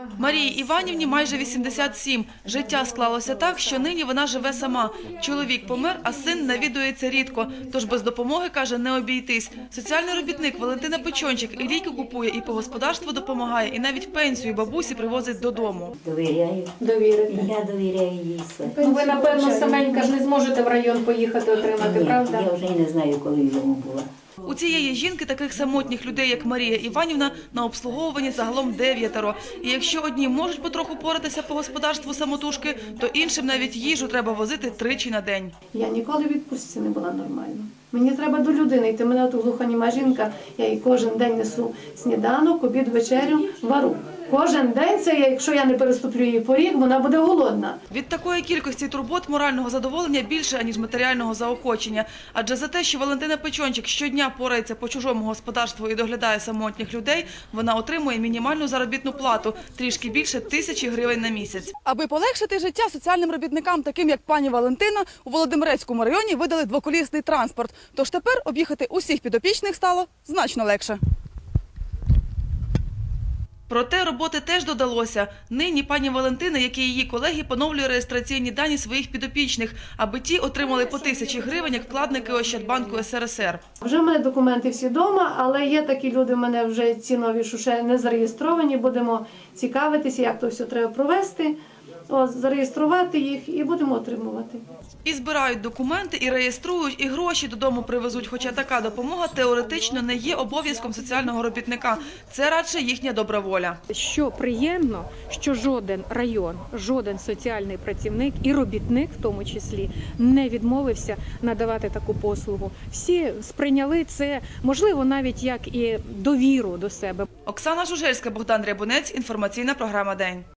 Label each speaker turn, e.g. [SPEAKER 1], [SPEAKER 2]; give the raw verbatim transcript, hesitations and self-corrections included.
[SPEAKER 1] Марії Іванівні майже вісімдесят сім. Життя склалося так, що нині вона живе сама. Чоловік помер, а син навідується рідко. Тож без допомоги, каже, не обійтись. Соціальний робітник Валентина Печончик і ліки купує, і по господарству допомагає, і навіть пенсію бабусі привозить додому.
[SPEAKER 2] Довіряю.
[SPEAKER 3] Довірити.
[SPEAKER 2] Я довіряю їй все.
[SPEAKER 3] Ну, ви, напевно, саменька ж не зможете в район поїхати отримати,
[SPEAKER 2] Ні,
[SPEAKER 3] правда?
[SPEAKER 2] я вже й не знаю, коли йому була.
[SPEAKER 1] У цієї жінки таких самотніх людей, як Марія Іванівна, на обслуговуванні загалом дев'ятеро. І якщо одні можуть потроху поратися по господарству самотужки, то іншим навіть їжу треба возити тричі на день.
[SPEAKER 4] Я ніколи в відпустці не була нормально. Мені треба до людини йти. Мене тут глухоніма жінка, я їй кожен день несу сніданок, обід, вечерю, вару. Кожен день це, якщо я не переступлю її поріг, вона буде голодна.
[SPEAKER 1] Від такої кількості турбот морального задоволення більше, аніж матеріального заохочення. Адже за те, що Валентина Печончик щодня порається по чужому господарству і доглядає самотніх людей, вона отримує мінімальну заробітну плату – трішки більше тисячі гривень на місяць. Аби полегшити життя соціальним робітникам, таким як пані Валентина, у Володимирецькому районі видали двоколісний транспорт. Тож тепер об'їхати усіх підопічних стало значно легше. Проте роботи теж додалося. Нині пані Валентина, як і її колеги, поновлює реєстраційні дані своїх підопічних, аби ті отримали по тисячі гривень, як вкладники Ощадбанку ес ер ес ер.
[SPEAKER 4] Вже в мене документи всі вдома, але є такі люди в мене вже ці нові, що ще не зареєстровані. Будемо цікавитися, як то все треба провести, о, зареєструвати їх і будемо отримувати.
[SPEAKER 1] І збирають документи, і реєструють, і гроші додому привезуть. Хоча така допомога теоретично не є обов'язком соціального робітника. Це радше їхня добра воля.
[SPEAKER 5] Що приємно, що жоден район, жоден соціальний працівник і робітник в тому числі не відмовився надавати таку послугу. Всі сприйняли це, можливо, навіть як і довіру до себе.
[SPEAKER 1] Оксана Жужельська, Богдан Рябунець, інформаційна програма «День».